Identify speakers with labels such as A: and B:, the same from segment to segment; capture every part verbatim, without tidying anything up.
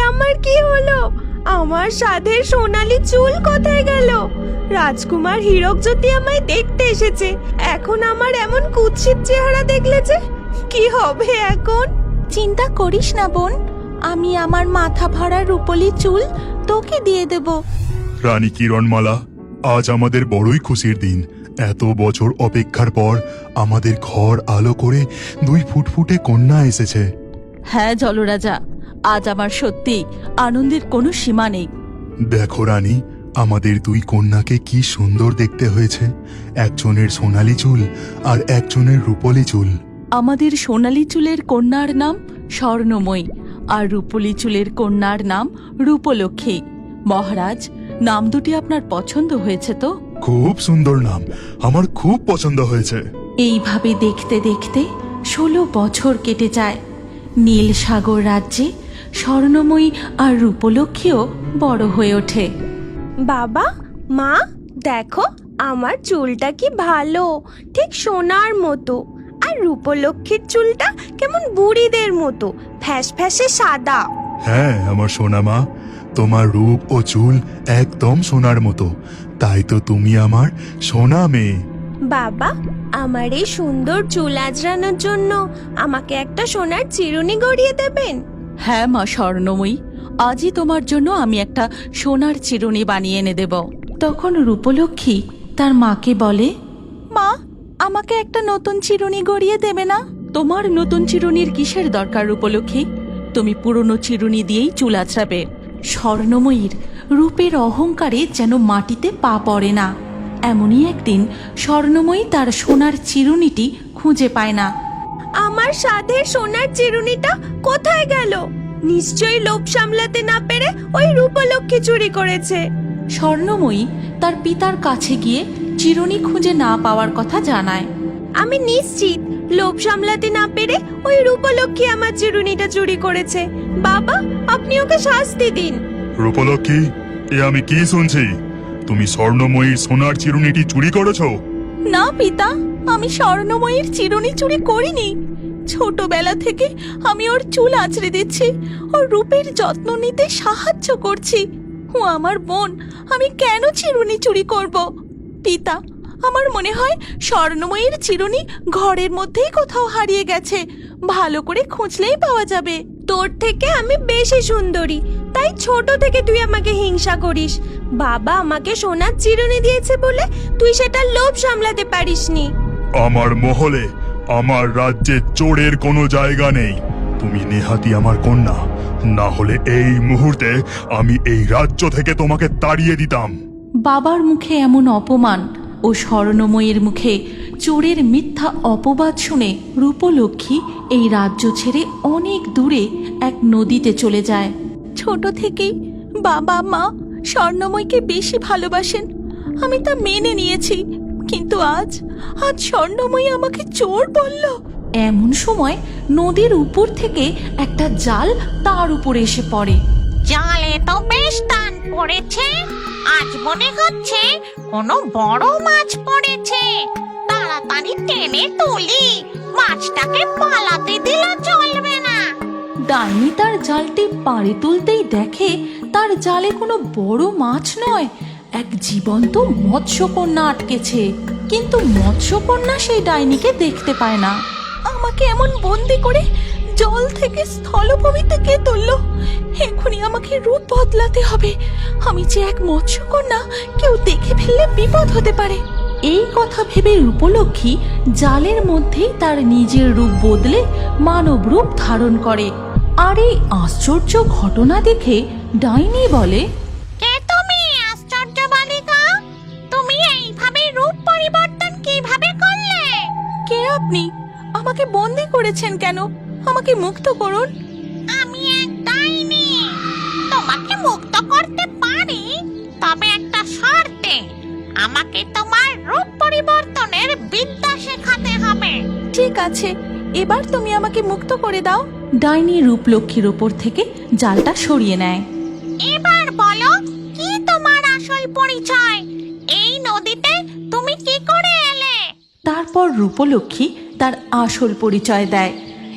A: আমার কি হলো? আমার সাধের সোনালী চুল কোথায় গেল? রাজকুমার হীরক জ্যোতি আমায় দেখতে এসেছে, এখন আমার এমন কুৎসিত চেহারা দেখলে যে কি হবে এখন?
B: চিন্তা করিস না বোন, আমি আমার মাথা ভরা রূপলি চুল তোকে দিয়ে দেব।
C: রানী কিরণমালা, আজ আমাদের বড়ই খুশির দিন। এত বছর অপেক্ষার পর আমাদের ঘর আলো করে দুই ফুটফুটে কন্যা এসেছে।
B: হ্যাঁ জলরাজা, আজ আমার সত্যি আনন্দের কোনো সীমা নেই।
C: দেখো রানী, আমাদের দুই কন্যাকে কি সুন্দর দেখতে হয়েছে। একজনের সোনালী চুল আর একজনের রূপলি চুল।
B: আমাদের সোনালী চুলের কন্যার নাম স্বর্ণময়ী আর রূপলি চুলের কন্যার নাম রূপলক্ষ্মী। মহারাজ, নাম দুটি আপনার পছন্দ হয়েছে তো?
C: খুব সুন্দর নাম, আমার খুব পছন্দ হয়েছে।
B: এইভাবে দেখতে দেখতে ষোলো বছর কেটে যায়। নীল সাগর রাজ্যে স্বর্ণময়ী আর রূপলক্ষ্মীও বড় হয়ে ওঠে।
A: বাবা, মা, দেখো আমার চুলটা কি ভালো, ঠিক সোনার মতো। আর রূপলক্ষ্মীর চুলটা কেমন বুড়িদের মতো ফ্যাস ফ্যাসে সাদা।
C: হ্যাঁ আমার সোনা মা, তোমার রূপ ও চুল একদম সোনার মতো, তাই তো তুমি আমার সোনা মেয়ে।
A: বাবা, আমার এই সুন্দর চুল আঁচড়ানোর জন্য আমাকে একটা সোনার চিরুনি গড়িয়ে দেবেন?
B: হ্যাঁ মা স্বর্ণময়ী, আজই তোমার জন্য আমি একটা সোনার চিরুনি বানিয়ে এনে দেব। তখন রূপলক্ষ্মী তার মাকে বলে, মা, আমাকে একটা নতুন চিরুনি গড়িয়ে দেবে না? তোমার নতুন চিরুনির কিসের দরকার রূপলক্ষ্মী? তুমি পুরনো চিরুনি দিয়েই চুল আঁচড়াবে। স্বর্ণময়ীর রূপের অহংকারে যেন মাটিতে পা পড়ে না। এমনই একদিন স্বর্ণময়ী তার সোনার চিরুনিটি খুঁজে পায় না।
A: আমার সাধের সোনার চিরুনিটা কোথায় গেল? নিশ্চয়ই লোভ সামলাতে না পেরে ওই রূপলক্ষ্মী চুরি করেছে।
B: স্বর্ণময়ী তার পিতার কাছে গিয়ে চিরুনি খুঁজে না পাওয়ার কথা জানায়।
A: আমি নিশ্চিত লোভ সামলাতে না পেরে ওই রূপলক্ষ্মী আমার চিরুনিটা চুরি করেছে। বাবা, আপনি ওকে শাস্তি দিন।
C: রূপলক্ষ্মী, এ আমি কি শুনছি? তুমি স্বর্ণময়ীর সোনার চিরুনিটি চুরি করেছো?
B: না পিতা, আমি স্বর্ণময়ীর চিরুনি চুরি করিনি। ছোটবেলা থেকে আমি ওর চুল আঁচড়ে দিচ্ছি, ওর রূপের যত্ন নিতে সাহায্য করছি। ও আমার বোন, আমি কেন চিরুনি চুরি করব? পিতা, আমার মনে হয় স্বর্ণময়ীর চিরুনি ঘরের মধ্যেই কোথাও হারিয়ে গেছে, ভালো করে খুঁজলেই পাওয়া যাবে।
A: তোর থেকে আমি বেশি সুন্দরী, তাই ছোট থেকে তুই আমাকে হিংসা করিস। বাবা আমাকে সোনার চিরুনি দিয়েছে বলে তুই সেটা লোভ সামলাতে পারিসনি।
C: আমার মহলে, আমার রাজ্যে চোরের কোনো জায়গা নেই। তুমি নেহাতি আমার কন্যা, না হলে এই মুহূর্তে আমি এই রাজ্য থেকে তোমাকে তাড়িয়ে দিতাম।
B: বাবার মুখে এমন অপমান ও স্বর্ণময়ীর মুখে চোরের মিথ্যা অপবাদ শুনে রূপলক্ষ্মী এই রাজ্য ছেড়ে অনেক দূরে এক নদীতে চলে যায়। ছোট থেকেই বাবা মা স্বর্ণময়ীকে বেশি ভালোবাসেন, আমি তা মেনে নিয়েছি। কিন্তু আজ আজ স্বর্ণময়ী আমাকে চোর বলল। এমন সময় নদীর উপর থেকে একটা জাল তার উপরে এসে পড়ে।
D: জালে তো বেশ টান পড়েছে, আজ মনে হচ্ছে কোনো বড় মাছ পড়েছে। তাড়াতাড়ি টেনে তুলি, মাছটাকে পালাতে দিলে চলবে না।
B: ডাইনি তার জালটি পাড়ে তুলতেই দেখে তার জালে কোনো বড় মাছ নয়, এক জীবন্ত মৎস্যকন্যা আটকেছে। কিন্তু মৎস্যকন্যা সেই ডাইনিকে দেখতে পায় না। আমাকে এমন বন্দি করে জল থেকে স্থলভূমিতে কে তুললো? এখনই আমাকে রূপ বদলাতে হবে। আমি যে এক মৎস্যকন্যা, কেউ দেখে ফেললে বিপদ হতে পারে। এই কথা ভেবে রূপলক্ষ্মী জালের মধ্যেই তার নিজের রূপ বদলে মানব রূপ ধারণ করে। আর এই আশ্চর্য ঘটনা দেখে ডাইনি বলে,
D: কে তুমি আশ্চর্য বালিকা? তুমি এইভাবে রূপ পরিবর্তন কিভাবে করলে?
B: কে আপনি? আমাকে বন্দি করেছেন কেন? আমাকে মুক্ত করুন।
D: আমি এক ডাইনি, তোমাকে মুক্ত করতে পারি, তবে একটা শর্তে। আমাকে তোমার রূপ পরিবর্তনের বিদ্যা শেখাতে হবে।
B: ঠিক আছে, এবার তুমি আমাকে মুক্ত করে দাও। ডাইনি রূপলক্ষ্মীর ওপর থেকে জালটা সরিয়ে নেয়।
D: এবার বলো, কি তোমার আসল পরিচয়? এই নদীতে তুমি কি করে এলে?
B: তারপর রূপলক্ষ্মী তার আসল পরিচয় দেয়।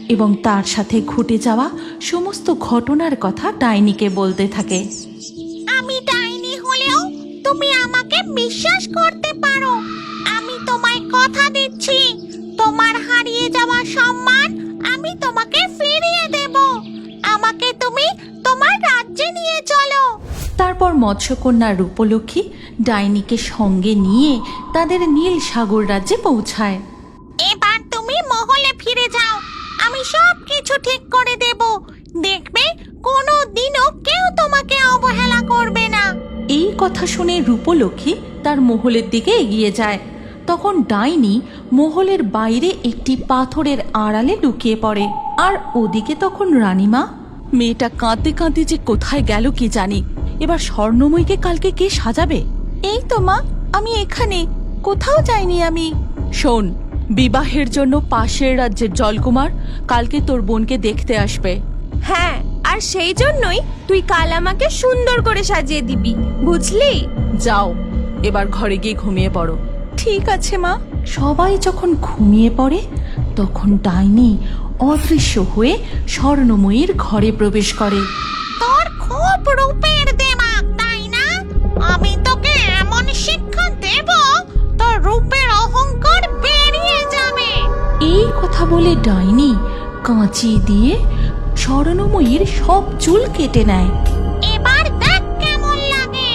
B: এবং তার সাথে ঘটে যাওয়া সমস্ত ঘটনার কথা ডাইনিকে বলতে থাকে।
D: আমি ডাইনি হলেও তুমি আমাকে বিশ্বাস করতে পারো। আমি তোমায় কথা দিচ্ছি, তোমার হারিয়ে যাওয়া সম্মান আমি তোমাকে ফিরিয়ে দেব। আমাকে তুমি তোমার রাজ্যে নিয়ে চলো।
B: তারপর মৎস্যকন্যা রূপলক্ষ্মী ডাইনিকে সঙ্গে নিয়ে তাদের নীল সাগর রাজ্যে পৌঁছায়।
D: এবার তুমি মহলে ফিরে যাও, আমি সব কিছু ঠিক করে দেব। দেখবে কোনো দিনও কেউ তোমাকে অবহেলা করবে না।
B: এই কথা শুনে রূপলক্ষ্মী তার মহলের দিকে এগিয়ে যায়। তখন ডাইনি মহলের বাইরে একটি পাথরের আড়ালে লুকিয়ে পড়ে। আর ওদিকে তখন রানীমা, মেয়েটা কাঁদতে কাঁদতে যে কোথায় গেল কি জানি, এবার স্বর্ণময়ীকে কালকে কে সাজাবে? এই তো মা, আমি এখানে, কোথাও যাইনি আমি। শোন, বিবাহের জন্য পাশের রাজ্যের জলকুমার কালকে তোর বোনকে দেখতে আসবে।
A: হ্যাঁ, আর সেই জন্যই তুই কাল আমাকে সুন্দর করে সাজিয়ে দিবি, বুঝলি?
B: যাও, এবার ঘরে গিয়ে ঘুমিয়ে পড়ো। ঠিক আছে মা। সবাই যখন ঘুমিয়ে পড়ে তখন ডাইনি অদৃশ্য হয়ে স্বর্ণময়ীর ঘরে প্রবেশ করে।
D: তোর খুব রূপের দেমাগ, তাই না? আমি তোকে এমন শিক্ষা দেব, তোর রূপের অহংকার বেরিয়ে যাবে।
B: এই কথা বলে ডাইনি কাঁচি দিয়ে স্বর্ণময়ীর সব চুল কেটে নেয়।
D: এবার দেখ কেমন লাগে।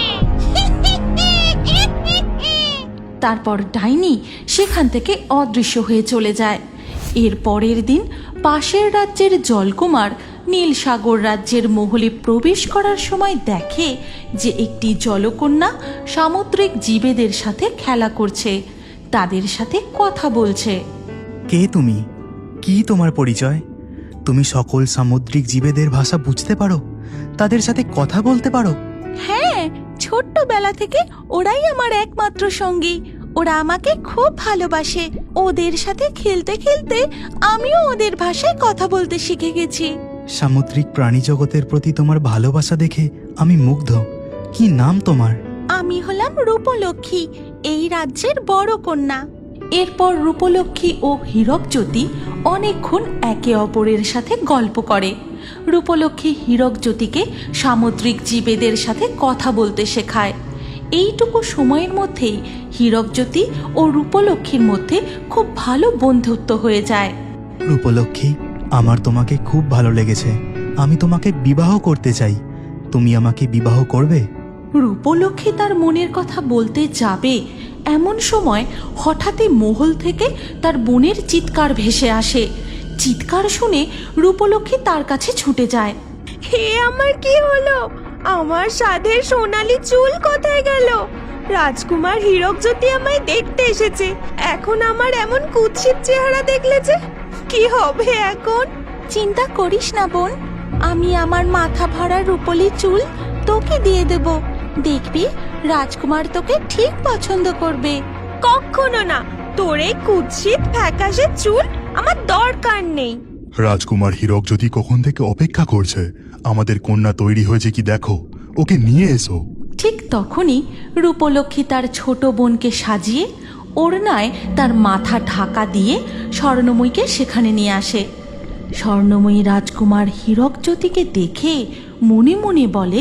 B: তারপর ডাইনি সেখান থেকে অদৃশ্য হয়ে চলে যায়। এর পরের দিন পাশের রাজ্যের জলকুমার নীল সাগর রাজ্যের মহলে প্রবেশ করার সময় দেখে যে একটি জলকন্যা সামুদ্রিক জীবেদের সাথে খেলা করছে, তাদের সাথে কথা বলছে।
E: কে তুমি? কি তোমার পরিচয়? তুমি সকল সামুদ্রিক জীবেদের ভাষা বুঝতে পারো? তাদের সাথে কথা বলতে পারো?
B: হ্যাঁ, ছোট্টবেলা থেকে ওরাই আমার একমাত্র সঙ্গী। ওরা আমাকে খুব ভালোবাসে। ওদের সাথে খেলতে খেলতে আমিও ওদের ভাষায় কথা বলতে শিখে গেছি।
E: সামুদ্রিক প্রাণী জগতের প্রতি তোমার ভালোবাসা দেখে আমি মুগ্ধ। কি নাম তোমার?
B: আমি হলাম রূপলক্ষ্মী, এই রাজ্যের বড় কন্যা। এরপর রূপলক্ষ্মী ও হীরকজ্যোতি অনেকক্ষণ একে অপরের সাথে গল্প করে। রূপলক্ষ্মী হীরকজ্যোতিকে সামুদ্রিক জীবেদের সাথে কথা বলতে শেখায়। এইটুকু সময়ের মধ্যেই হীরকজ্যোতি ও রূপলক্ষ্মীর মধ্যে খুব ভালো বন্ধুত্ব হয়ে যায়।
E: রূপলক্ষ্মী, আমার তোমাকে খুব ভালো লেগেছে। আমি তোমাকে বিবাহ করতে চাই। তুমি আমাকে বিবাহ করবে?
B: রূপলক্ষ্মী তার মনের কথা বলতে যাবে এমন সময় হঠাৎই মহল থেকে তার বোনের চিৎকার ভেসে আসে। চিৎকার শুনে রূপলক্ষ্মী তার কাছে ছুটে যায়।
A: হে, আমার কি হলো? আমার সাধের সোনালী চুল কোথায় গেল? রাজকুমার হীরকজ্যোতি আমায় দেখতে এসেছে, এখন আমার এমন কুৎসিত চেহারা দেখলে যে কি হবে এখন?
B: চিন্তা করিস না বোন, আমি আমার মাথা ভরা রূপলি চুল তোকে দিয়ে দেব। দেখবি রাজকুমার তোকে ঠিক পছন্দ করবে।
A: কখনো না, তোর এই কুৎসিত ফ্যাকাশে চুল আমার দরকার নেই।
C: রাজকুমার হীরকজ্যোতি কখন থেকে অপেক্ষা করছে। আমাদের কন্যা তৈরি হয়েছে কি দেখো, ওকে নিয়ে এসো।
B: ঠিক তখনই রূপলক্ষ্মী তার ছোট বোনকে সাজিয়ে ওড়নায় তার মাথা ঢাকা দিয়ে স্বর্ণময়ীকে সেখানে নিয়ে আসে। স্বর্ণময়ী রাজকুমার হীরকজ্যোতিকে দেখে মনে মনে বলে,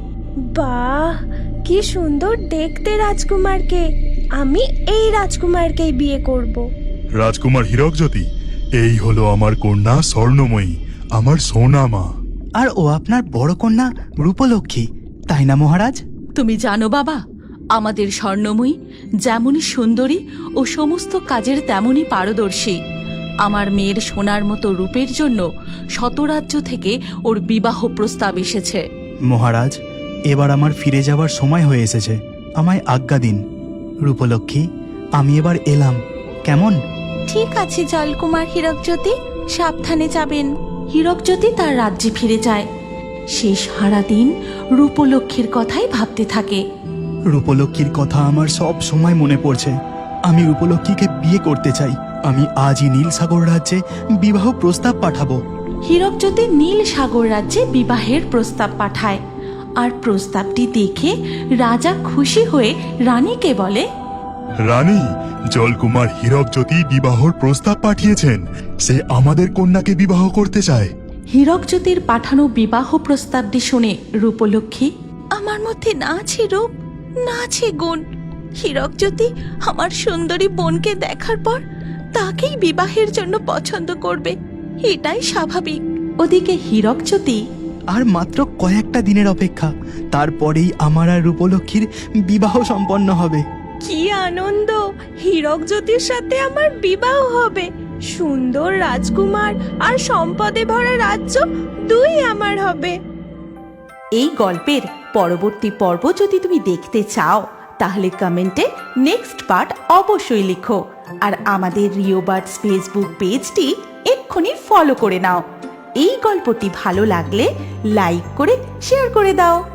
A: বাহ, কি সুন্দর দেখতে রাজকুমারকে। আমি এই রাজকুমারকেই বিয়ে করব।
C: রাজকুমার হীরকজ্যোতি, এই হলো আমার কন্যা স্বর্ণময়ী, আমার সোনা মা।
E: আর ও আপনার বড় কন্যা রূপলক্ষ্মী, তাই না মহারাজ?
B: তুমি জানো বাবা, আমাদের স্বর্ণময়ী যেমনই সুন্দরী ও সমস্ত কাজের তেমনই পারদর্শী। আমার মেয়ের সোনার মতো রূপের জন্য শতরাজ্য থেকে ওর বিবাহ প্রস্তাব এসেছে।
E: মহারাজ, এবার আমার ফিরে যাওয়ার সময় হয়ে এসেছে, আমায় আজ্ঞা দিন। রূপলক্ষ্মী, আমি এবার এলাম, কেমন?
B: ঠিক আছে জলকুমার হীরকজ্যোতি, সাবধানে যাবেন। হীরকজ্যোতি তার রাজ্যে ফিরে যায়। সে সারাদিন রূপলক্ষ্মীর কথাই ভাবতে থাকে।
E: রূপলক্ষ্মীর কথা আমার সব সময় মনে পড়ছে। আমি রূপলক্ষ্মীকে বিয়ে করতে চাই। আমি আজই নীল সাগর রাজ্যে বিবাহ প্রস্তাব পাঠাবো।
B: হীরকজ্যোতি নীল সাগর রাজ্যে বিবাহের প্রস্তাব পাঠায়। আর প্রস্তাবটি দেখে রাজা খুশি হয়ে রানীকে বলে,
C: রানী, জলকুমার হীরকজ্যোতি বিবাহর প্রস্তাব পাঠিয়েছেন। সে আমাদের কন্যাকে বিবাহ করতে চায়।
B: হীরকজ্যোতির পাঠানো বিবাহ প্রস্তাবটি শুনে রূপলক্ষ্মী,
A: আমার মধ্যে না আছে রূপ, না আছে গুণ। হীরকজ্যোতি আমার সুন্দরী বোনকে দেখার পর তাকেই বিবাহের জন্য পছন্দ করবে, এটাই স্বাভাবিক।
B: ওদিকে হীরকজ্যোতি
E: আর মাত্র কয়েকটা দিনের অপেক্ষা, তারপরেই আমার আর রূপলক্ষ্মীর বিবাহ সম্পন্ন হবে।
A: কি আনন্দ! হীরকজ্যোতির সাথে আমার বিবাহ হবে। সুন্দর রাজকুমার আর সম্পদে ভরা রাজ্য দুই আমার হবে।
F: এই গল্পের পরবর্তী পর্ব যদি তুমি দেখতে চাও তাহলে কমেন্টে নেক্সট পার্ট অবশ্যই লিখো। আর আমাদের রিও বার্ডস ফেসবুক পেজটি এক্ষুনি ফলো করে নাও। এই গল্পটি ভালো লাগলে লাইক করে শেয়ার করে দাও।